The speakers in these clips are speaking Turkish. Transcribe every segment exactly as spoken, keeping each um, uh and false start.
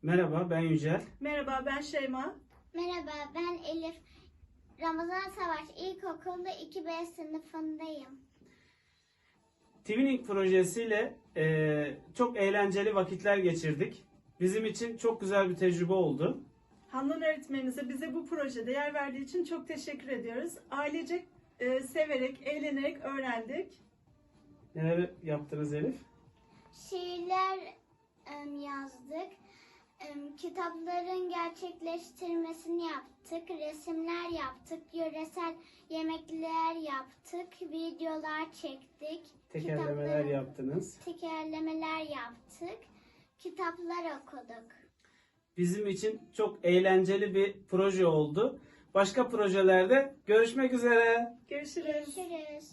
Merhaba, ben Yücel. Merhaba, ben Şeyma. Merhaba, ben Elif. Ramazan Savaş İlkokulu iki B sınıfındayım. Twinning projesiyle eee, çok eğlenceli vakitler geçirdik. Bizim için çok güzel bir tecrübe oldu. Handan öğretmenimize bize bu projede yer verdiği için çok teşekkür ediyoruz. Ailecek e, severek, eğlenerek öğrendik. Neler yaptınız Elif? Şiirler em, yazdık. Em, kitapların gerçekleştirmesini yaptık. Resimler yaptık. Yöresel yemekler yaptık. Videolar çektik. Tekerlemeler kitapları- yaptınız. Tekerlemeler yaptık. Kitaplar okuduk. Bizim için çok eğlenceli bir proje oldu. Başka projelerde görüşmek üzere. Görüşürüz. Görüşürüz.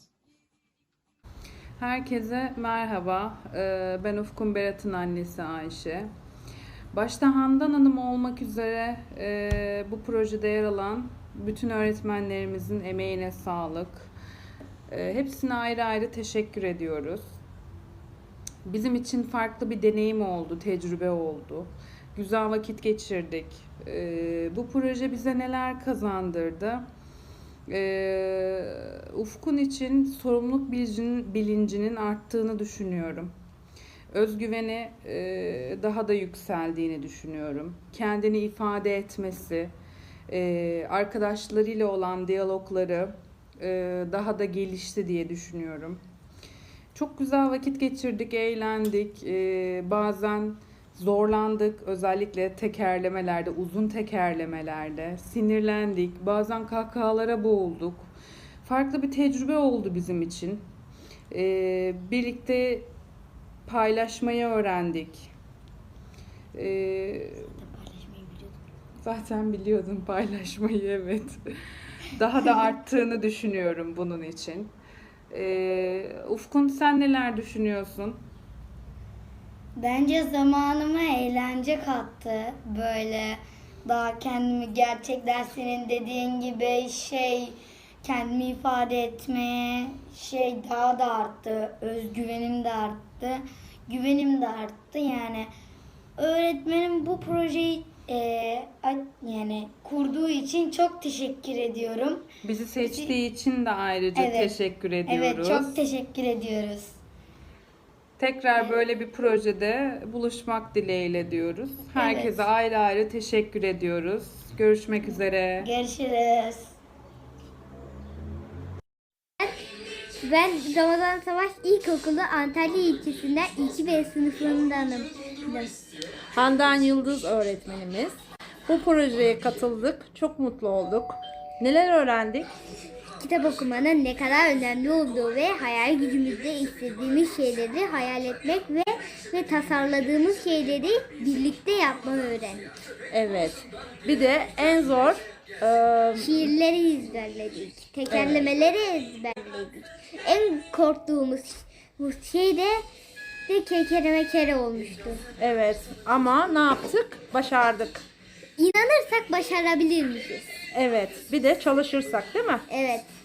Herkese merhaba. Ee, Ben Ufkun Berat'ın annesi Ayşe. Başta Handan Hanım olmak üzere e, bu projede yer alan bütün öğretmenlerimizin emeğine sağlık. E, Hepsine ayrı ayrı teşekkür ediyoruz. Bizim için farklı bir deneyim oldu, tecrübe oldu. Güzel vakit geçirdik. E, Bu proje bize neler kazandırdı? Ee, Ufkun için sorumluluk bilincinin, bilincinin arttığını düşünüyorum. Özgüveni e, daha da yükseldiğini düşünüyorum. Kendini ifade etmesi, e, arkadaşlarıyla olan diyalogları e, daha da gelişti diye düşünüyorum. Çok güzel vakit geçirdik, eğlendik. E, bazen zorlandık, özellikle tekerlemelerde, uzun tekerlemelerde. Sinirlendik, bazen kahkahalara boğulduk. Farklı bir tecrübe oldu bizim için. Ee, birlikte paylaşmayı öğrendik. Ee, zaten biliyordum paylaşmayı, evet. Daha da arttığını düşünüyorum bunun için. Ee, Ufkun, sen neler düşünüyorsun? Bence zamanıma eğlence kattı. Böyle daha kendimi gerçekten senin dediğin gibi şey kendimi ifade etmeye şey daha da arttı. Özgüvenim de arttı. Güvenim de arttı. Yani öğretmenim bu projeyi e, yani kurduğu için çok teşekkür ediyorum. Bizi seçtiği için de ayrıca Evet. teşekkür ediyoruz. Evet, çok teşekkür ediyoruz. Tekrar böyle bir projede buluşmak dileğiyle diyoruz. Herkese Evet. ayrı ayrı teşekkür ediyoruz. Görüşmek üzere. Görüşürüz. Ben Ramazan Savaş İlkokulu Antalya ilçesinden iki B sınıfındanım. Handan Yıldız öğretmenimiz. Bu projeye katıldık. Çok mutlu olduk. Neler öğrendik? Kitap okumanın ne kadar önemli olduğu ve hayal gücümüzde istediğimiz şeyleri hayal etmek ve ve tasarladığımız şeyleri birlikte yapmayı öğrendik. Evet. Bir de en zor e, Şiirleri ezberledik, tekerlemeleri ezberledik. En korktuğumuz şey de, de kekere kere olmuştu. evet ama ne yaptık? Başardık. İnanırsak başarabilir miyiz? Evet. Bir de çalışırsak, değil mi? Evet.